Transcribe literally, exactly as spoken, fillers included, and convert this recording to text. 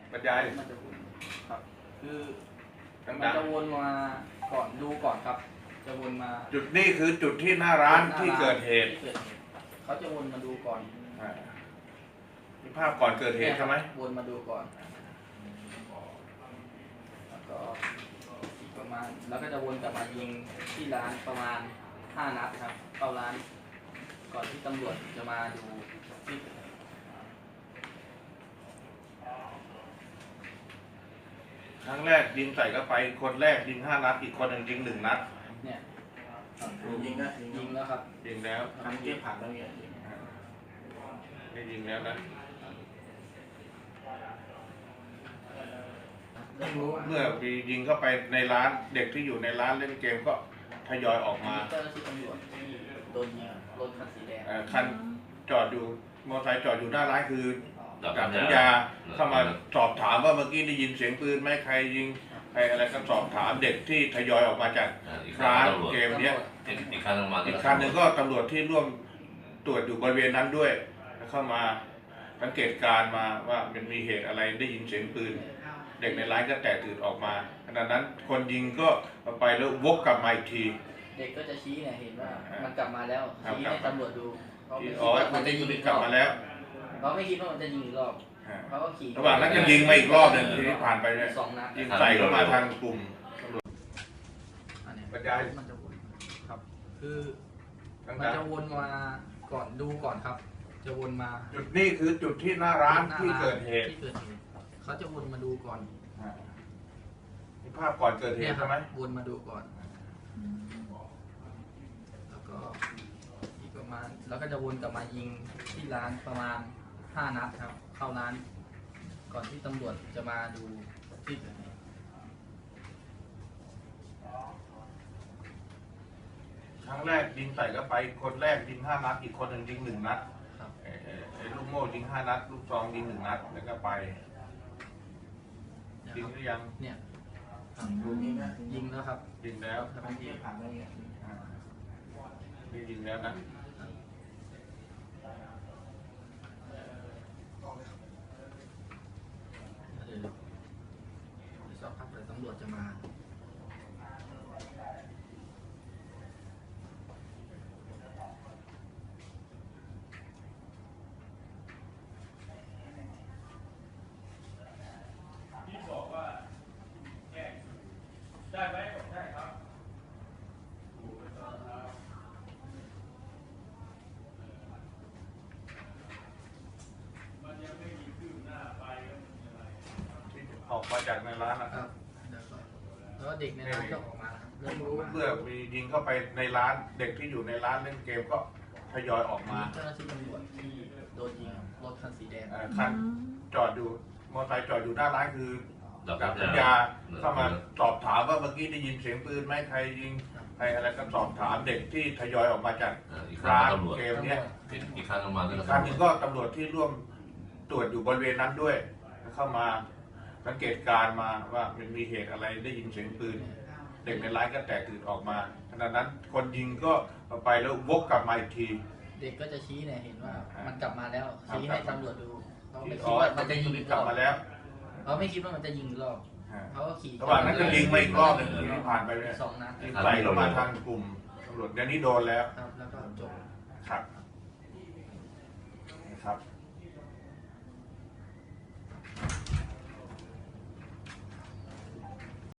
บรรยายมันจะวนครับคือมันจะวนมาก่อนดูก่อนครับจะวนมาจุดนี้คือจุดที่หน้าร้านที่เกิดเหตุเขาจะวนมาดูก่อนนี่ภาพก่อนเกิดเหตุใช่ไหมวนมาดูก่อนแล้วก็ประมาณแล้วก็จะวนกลับมายิงที่ร้านประมาณห้านัดครับเข้าร้านก่อนที่ตำรวจจะมาดูที่ครั้งแรกยิงใส่เข้าไปคนแรกยิงห้านัดอีกคนหนึ่งยิงหนึ่งนัดเนี่ยยิงแล้วยิงแล้วครับยิงแล้วทำเก็บผ่านแล้วเนี่ยนี่ยิงแล้วนะเมื่อมียิงเข้าไปในร้านเด็กที่อยู่ในร้านเล่นเกมก็ทยอยออกมาเจ้าหน้าที่ตำรวจที่โดนยิงรถคันสีแดงคันจอดอยู่มอเตอร์ไซค์จอดอยู่หน้าร้านคือจับสัญญาเข้ามาสอบถามว่าเมื่อกี้ได้ยินเสียงปืนไหมใครยิงใครอะไรก็สอบถามเด็กที่ทยอยออกมาจากร้านเกมเนี้ยอีกคันมาอีกคันหนึ่งก็ตำรวจที่ร่วมตรวจอยู่บริเวณนั้นด้วยเข้ามาสังเกตการมาว่ามันมีเหตุอะไรได้ยินเสียงปืนเด็กในร้านก็แตกตื่นออกมาขณะนั้นคนยิงก็ไปแล้ววกกลับมาอีกทีเด็กก็จะชี้เนี่ยเห็นว่ามันกลับมาแล้วชี้ให้ตำรวจดูอ๋อมันจะยิงกลับมาแล้วเราไม่คิดว่ามันจะยิงอีกรอบเขาก็ขี่ระหว่างนั้นจะยิงมาอีกรอบหนึ่งที่ผ่านไปเนี่ยยิงใส่เข้ามาทางกลุ่มบรรยายมันจะวนครับคือมันจะวนมาก่อนดูก่อนครับจะวนมาจุดนี้คือจุดที่หน้าร้านที่เกิดเหตุเขาจะวนมาดูก่อนนี่ภาพก่อนเกิดเหตุใช่ไหมวนมาดูก่อนแล้วก็อีกประมาณแล้วก็จะวนกลับมายิงที่ร้านประมาณห้านัดครับเข้าร้านก่อนที่ตำรวจจะมาดูที่เกิดเหตุครั้งแรกยิงใส่เข้าไปคนแรกยิงห้านัดอีกคนหนึ่งยิงหนึ่งนัดไอ้ลูกโม่ยิงห้านัดลูกซองยิงหนึ่งนัดแล้วก็ไปยิงหรือยังเนี่ยยิงแล้วครับยิงแล้วทำเก็บผ่านแล้วเนี่ยนี่ยิงแล้วนะสักพักเดี๋ยวตำรวจจะมาได้ไหมได้ครับมันยังไม่มีคืบหน้าไปที่ออกมาจากในร้านนะครับแล้วเด็กในร้านก็ออกมาเริ่มรู้เมื่อมียิงเข้าไปในร้านเด็กที่อยู่ในร้านเล่นเกมก็ทยอยออกมาเจ้าหน้าที่ตำรวจที่โดนยิงรถคันสีแดงคันจอดอยู่มอเตอร์ไซค์จอดอยู่หน้าร้านคือจับสัญญาเข้ามาสอบถามว่าเมื่อกี้ได้ยินเสียงปืนไหมใครยิงใครอะไรก็สอบถามเด็กที่ทยอยออกมาจากร้านเกมเนี้ยอีกคันมาอีกคันหนึ่งก็ตำรวจที่ร่วมตรวจอยู่บริเวณนั้นด้วยเข้ามาสังเกตการมาว่ามันมีเหตุอะไรได้ยินเสียงปืนเด็กในร้านก็แตกตื่นออกมาขณะนั้นคนยิงก็ไปแล้ววกกลับมาอีกทีเด็กก็จะชี้เนี่ยเห็นว่ามันกลับมาแล้วชี้ให้ตำรวจดูเขาไม่คิดว่ามันจะยิงกลับมาแล้วเขาไม่คิดว่ามันจะยิงรอบเขาก็ขี่ระหว่างนั้นก็ยิงมาอีกรอบหนึ่งที่ผ่านไปเนี่ยสองนัดใส่เข้ามาทางกลุ่มตำรวจเดี๋ยวนี้โดนแล้วครับแล้วก็จบครับครับ